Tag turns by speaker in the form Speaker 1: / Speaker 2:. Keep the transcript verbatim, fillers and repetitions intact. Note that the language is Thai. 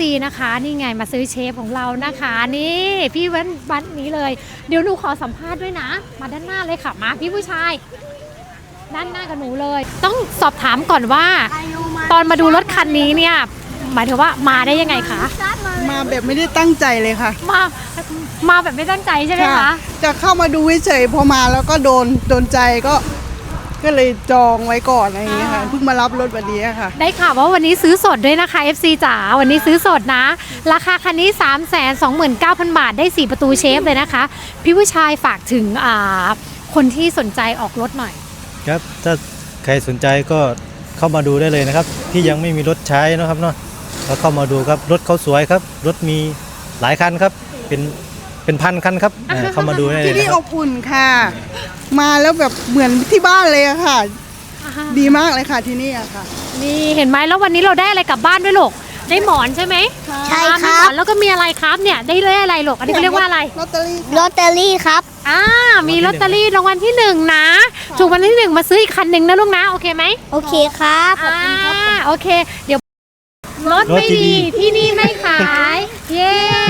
Speaker 1: ซี นะคะนี่ไงมาซื้อเชฟของเรานะคะนี่พี่วันวันนี้เลยเดี๋ยวหนูขอสัมภาษณ์ด้วยนะมาด้านหน้าเลยค่ะมาพี่ผู้ชายด้านหน้ากับหนูเลยต้องสอบถามก่อนว่าตอนมาดูรถคันนี้เนี่ยหมายถึงว่ามาได้ยังไงคะ
Speaker 2: มาแบบไม่ได้ตั้งใจเลยค่ะ
Speaker 1: มามาแบบไม่ตั้งใจใช่ไหมคะ
Speaker 2: จะเข้ามาดูเฉยพอมาแล้วก็โดนโดนใจก็ก็เลยจองไว้ก่อนอะไรอย่างเงี้ยค่ะเพิ่งมารับรถวันนี้ค่ะ
Speaker 1: ได้ข่าวว่าวันนี้ซื้อสดด้วยนะคะ เอฟ ซี จ๋าวันนี้ซื้อสดนะราคาคันนี้ สามแสนสองหมื่นเก้าพัน บาทได้สี่ประตูเชฟเลยนะคะพี่ผู้ชายฝากถึงคนที่สนใจออกรถหน่อย
Speaker 3: ครับถ้าใครสนใจก็เข้ามาดูได้เลยนะครับที่ยังไม่มีรถใช้นะครับเนาะก็เข้ามาดูครับรถเขาสวยครับรถมีหลายคันครับเป็นเป็นพันคันครับเข้ามาดูได้เลย
Speaker 2: ที่นี่
Speaker 3: นะค
Speaker 2: อบอุ่นค่ะมาแล้วแบบเหมือนที่บ้านเลยอะค่ะดีมากเลยค่ะที่นี่อะค่ะ
Speaker 1: นี่เห็นไหมแล้ววันนี้เราได้อะไรกลับบ้านด้วยลูกได้หมอนใช่ไหม
Speaker 4: ใช่ครับ
Speaker 1: แล้วก็มีอะไรครับเนี่ยได้เลขอะไรลูกอันนี้เขาเรียกว่าอะไร
Speaker 2: ลอตเตอรี่
Speaker 4: ลอตเตอรี่ครับ
Speaker 1: อ่ามีลอตเตอรี่รางวัลที่หนึ่งนะถูกวันที่หนึ่งมาซื้ออีกคันหนึ่งนะลูกนะโอเคไหม
Speaker 4: โอเคครับขอบคุณครับ
Speaker 1: โอเคเดี๋ยวรถไม่ดีที่นี่ไม่ขายเย้